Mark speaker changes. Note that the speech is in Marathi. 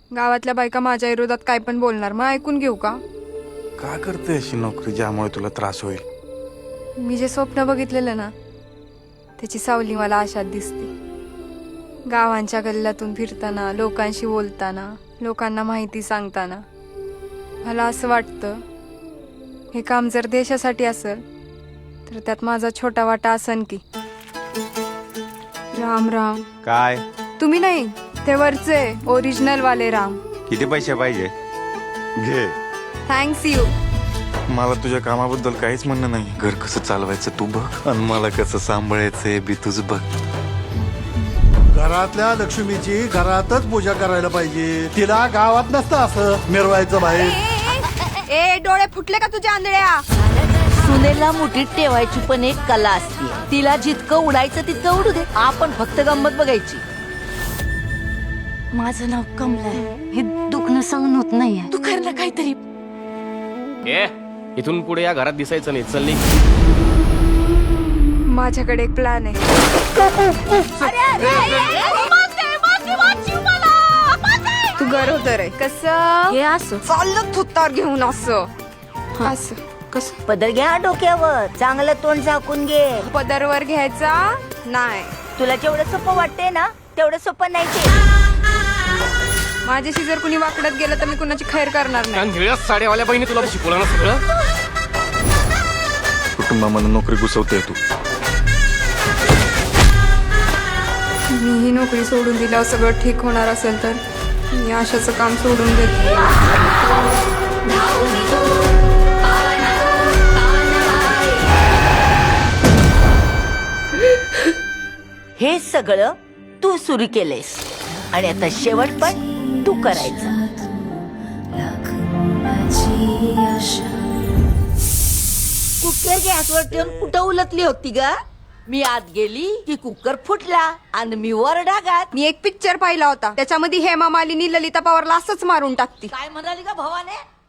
Speaker 1: गावातल्या बायका माझ्या विरोधात काय पण बोलणार, मग ऐकून घेऊ का?
Speaker 2: का करते अशी नोकरी ज्यामुळे तुला त्रास होईल?
Speaker 1: मी जे स्वप्न बघितलेलं ना त्याची सावली मला आशात दिसते. गावांच्या गल्ल्यातून फिरताना, लोकांशी बोलताना, लोकांना माहिती सांगताना मला असं वाटतं हे काम जर देशासाठी असेल तर त्यात माझा छोटा वाटा असन की. राम राम.
Speaker 3: काय?
Speaker 1: तुम्ही नाही, ते वरचे ओरिजिनल वाले राम.
Speaker 3: किती पैसे पाहिजे?
Speaker 2: घे.
Speaker 1: Thanks you.
Speaker 2: मला तुझ्या कामाबद्दल काहीच म्हणणं नाही. घर कसं चालवायचं तू बघ, आणि मला कसं सांभाळायचंय बी तुझ बघ.
Speaker 4: घरातल्या लक्ष्मीची घरातच पूजा करायला पाहिजे. तिला गावात नसतं असं मिरवायचं बाहेर.
Speaker 1: ए डोळे फुटले का तुझ्या आंधळ्या?
Speaker 5: सुनेला मुठीत ठेवायची पण एक कला असते. तिला जितकं उडायचं तितकं उडू दे, आपण फक्त गंमत बघायची.
Speaker 6: माझं नाव कमला आहे. हे दुखणं सहन होत नाहीये. तू कर ना काहीतरी.
Speaker 7: इथून पुढे या घरात दिसायचं नाही. चल निघ.
Speaker 1: माझ्याकडे एक प्लॅन आहे. तू गरोदर आहे. कसं?
Speaker 6: हे असं
Speaker 1: चाललं थुत्तार घेऊन असं असं.
Speaker 6: कसं?
Speaker 5: पदर घ्या डोक्यावर, चांगलं तोंड झाकून घे.
Speaker 1: पदरवर घ्यायचा नाही.
Speaker 5: तुला जेवढं सोपं वाटतंय ना तेवढं सोपं नाही ते.
Speaker 1: माझ्याशी जर कुणी वाकडत गेलं तर मी कुणाची खैर करणार नाही.
Speaker 7: कारण निळ्या साड्यावाल्या बहिणी तुला शिकवलं ना सगळं.
Speaker 2: कुटुंबामध्ये नोकरी घुसवते तू.
Speaker 1: मी ही नोकरी सोडून दिल्यावर सगळं ठीक होणार असेल तर मी आशाचं काम सोडून देते.
Speaker 5: हे सगळं तू सुरू केलेस आणि आता शेवट पण तू करायचं. कुकर गॅसवर ठेवून कुठं उलटली होती ग? मी आत गेली की कुकर फुटला आणि मी वर डागात.
Speaker 1: मी एक पिक्चर पाहिला होता, त्याच्यामध्ये हेमा मालिनी ललिता पवारला असंच मारून टाकती.
Speaker 5: काय म्हणाली का भावाने?